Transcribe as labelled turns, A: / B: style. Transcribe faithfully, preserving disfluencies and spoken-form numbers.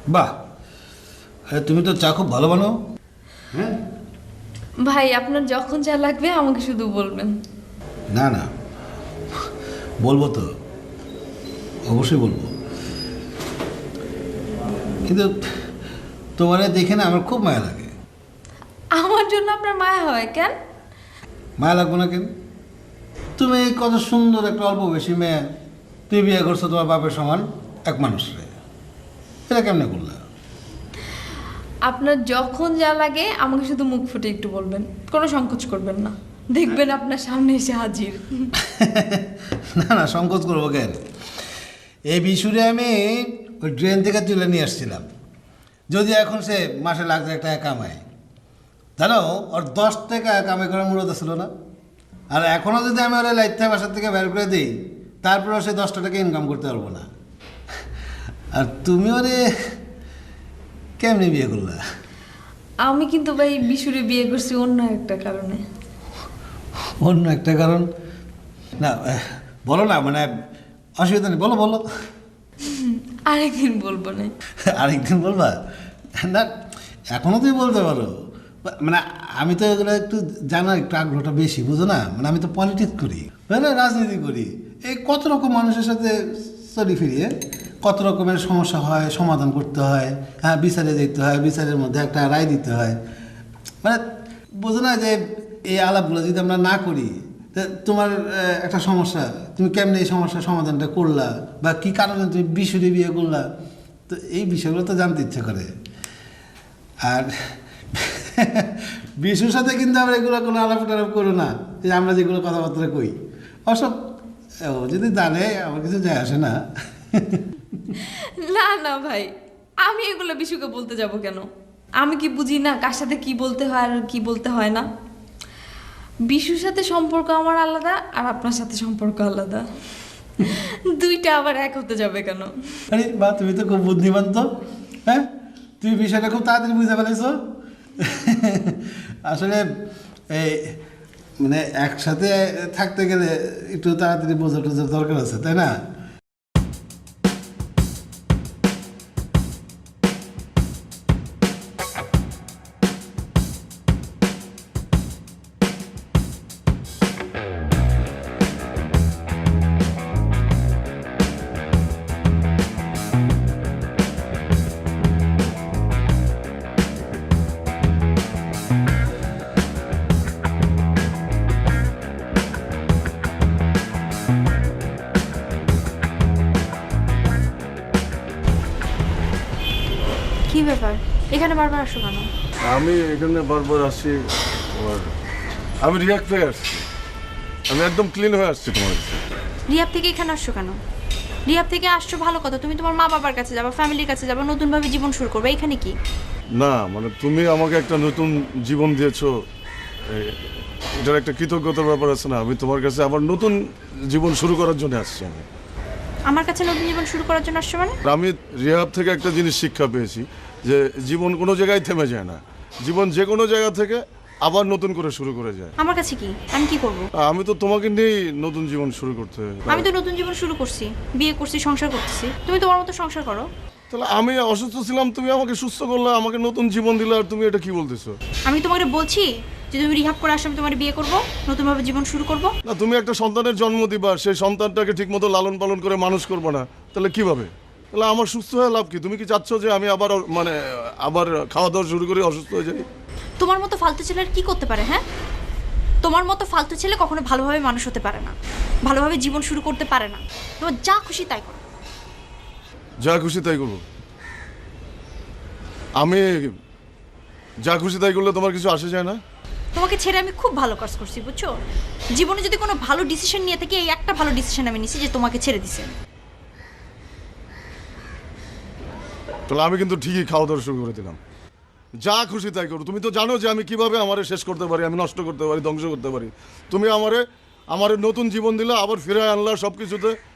A: বাহ, আরে তুমি তো চা খুব ভালো বানাও। হ্যাঁ,
B: ভাই আপনার যখন যা লাগবে আমাকে শুধু বলবেন।
A: না না, বলবো তো, অবশ্যই বলবো। কিন্তু তোমারে দেখে না আমার খুব মায়া লাগে।
B: আমার জন্য আপনার মায়া হয় কেন?
A: মায়া লাগবো না কেন? তুমি কত সুন্দর একটা অল্প বেশি মেয়ে, তুমি বিয়ে করছো তোমার বাপের সমান এক মানুষরে, এটা কেমনে করলা?
B: আপনার যখন যা লাগে আমাকে শুধু মুখ ফুটে একটু বলবেন, কোনো সংকোচ করবেন না, দেখবেন আপনার সামনে এসে হাজির।
A: না না, সংকোচ করবো কেন? এই বিশুরে আমি ওই ড্রেন থেকে তুলে নিয়ে আসছিলাম। যদি এখন সে মাসে লাখ লাখ টাকা কামায়, জানো ওর দশ টাকা কামাই করার মূলত ছিল না। আর এখনও যদি আমি ওরা লাইথা বাসার থেকে বের করে দিই, তারপরেও সে দশটা টাকা ইনকাম করতে পারবো না। আর তুমি ওরে কেমনি বিয়ে করলা?
B: আমি কিন্তু ভাই বিশুরে বিয়ে করছি অন্য একটা কারণে।
A: অন্য একটা কারণ? না বলো না, মানে অসুবিধা নেই, বলো বলো।
B: আরেকদিন বলবো না।
A: আরেকদিন বলবা? না, এখনও তুমি বলতে পারো। মানে আমি তো এগুলো একটু জানার একটু আগ্রহটা বেশি, বুঝো না? মানে আমি তো পলিটিক্স করি, না রাজনীতি করি। এই কত রকম মানুষের সাথে চলি ফিরিয়ে কত রকমের সমস্যা হয়, সমাধান করতে হয়, হ্যাঁ বিচারে যেতে হয়, বিচারের মধ্যে একটা রায় দিতে হয়। মানে বোঝো না যে এই আলাপগুলো যদি আমরা না করি, তা তোমার একটা সমস্যা, তুমি কেমনে এই সমস্যার সমাধানটা করলা, বা কী কারণে তুমি বিশুরে বিয়ে করলা, তো এই বিষয়গুলো তো জানতে ইচ্ছে করে। আর বিশুর সাথে কিন্তু আমরা এগুলো কোনো আলাপ টালাপ করো না, যে আমরা যেগুলো কথাবার্তা কই অসব ও যদি জানে আমার কিছু যায় আসে না।
B: না না ভাই, আমি এগুলো বিশুকে বলতে যাব কেন? আমি কি বুঝি না কার সাথে কি বলতে হয় আর কি বলতে হয় না? বিশুর সাথে সম্পর্ক আমার আলাদা, আর আপনার সাথে সম্পর্ক আলাদা। দুইটা আবার এক হতে যাবে কেন?
A: আরে বা, তুমি তো খুব বুদ্ধিমান তো। হ্যাঁ, তুমি বিষয়টা খুব তাড়াতাড়ি বুঝতে পেরেছ। আসলে এই মানে একসাথে থাকতে গেলে একটু তাড়াতাড়ি বোঝা টোঝার দরকার আছে, তাই না?
C: কি ব্যাপার, এখানে বারবার আসো কেন?
D: আমি এখানে বারবার আসি, আর আমি রিয়াক্ট হয়ে আসছি, আমি একদম ক্লিন হয়ে আসছি তোমার কাছে।
C: রিয়াব থেকে এখানে আসছো কেন? রিয়াব থেকে আসছো ভালো কথা, তুমি তোমার মা বাবার কাছে যাবা, ফ্যামিলির কাছে যাবা, নতুনভাবে জীবন শুরু করবে। এখানে কি?
D: না মানে তুমি আমাকে একটা নতুন জীবন দিয়েছো, এ- এটার একটা কৃতজ্ঞতার ব্যাপার আছে না? আমি তোমার কাছে আবার নতুন জীবন শুরু করার জন্য আসছি। আমি
C: আমার কাছে নতুন জীবন শুরু করার জন্য আসছো মানে?
D: আমি রিহাব থেকে একটা জিনিস শিক্ষা পেয়েছি, যে জীবন কোনো জায়গায় থেমে যায় না, জীবন যে কোনো জায়গা থেকে আবার নতুন করে শুরু করে যায়।
C: আমার কাছে কি? আমি কি করব?
D: আমি তো তোমাকে নিয়েই নতুন জীবন শুরু করতে।
C: আমি তো নতুন জীবন শুরু করছি, বিয়ে করছি, সংসার করতেছি। তুমি তোমার মতো সংসার করো।
D: তাহলে আমি অসুস্থ ছিলাম, তুমি আমাকে সুস্থ করলে, আমাকে নতুন জীবন দিলে, আর তুমি এটা কি বলতেছো?
C: আমি তোমাকে বলছি যে তুমি রিহাব করে আসো, আমি তোমার বিয়ে করব, নতুনভাবে জীবন শুরু করব।
D: না, তুমি একটা সন্তানের জন্ম দিবা, সেই সন্তানটাকে ঠিকমতো লালন পালন করে মানুষ করবে না, তাহলে কিভাবে? তাহলে আমার সুস্থ হয়ে লাভ কি? তুমি কি চাচ্ছ যে আমি আবার মানে আবার খাওয়া দাওয়া শুরু করে অসুস্থ হয়ে যাই?
C: তোমার মতো ফালতু ছেলে আর কি করতে পারে? হ্যাঁ, তোমার মতো ফালতু ছেলে কখনো ভালোভাবে মানুষ হতে পারে না, ভালোভাবে জীবন শুরু করতে পারে না। তোমার যা খুশি তাই করো।
D: যা খুশি তাই করবো? আমি যা খুশি তাই করলে তোমার কিছু আসে যায় না?
C: তোমাকে ছেড়ে আমি খুব ভালো কাজ করছি, বুঝছো? জীবনে যদি কোনো ভালো ডিসিশন নিয়ে থাকি, এই একটা ভালো ডিসিশন আমি নিছি যে তোমাকে ছেড়ে দিছি।
D: তাহলে আমি কিন্তু ঠিকই খাওয়া দাওয়া শুরু করে দিলাম। যা খুশি তাই করো। তুমি তো জানো যে আমি কিভাবে আমারে শেষ করতে পারি, আমি নষ্ট করতে পারি, ধ্বংস করতে পারি। তুমি আমারে আমারে নতুন জীবন দিলে, আবার ফিরে আনলা সব কিছুতে।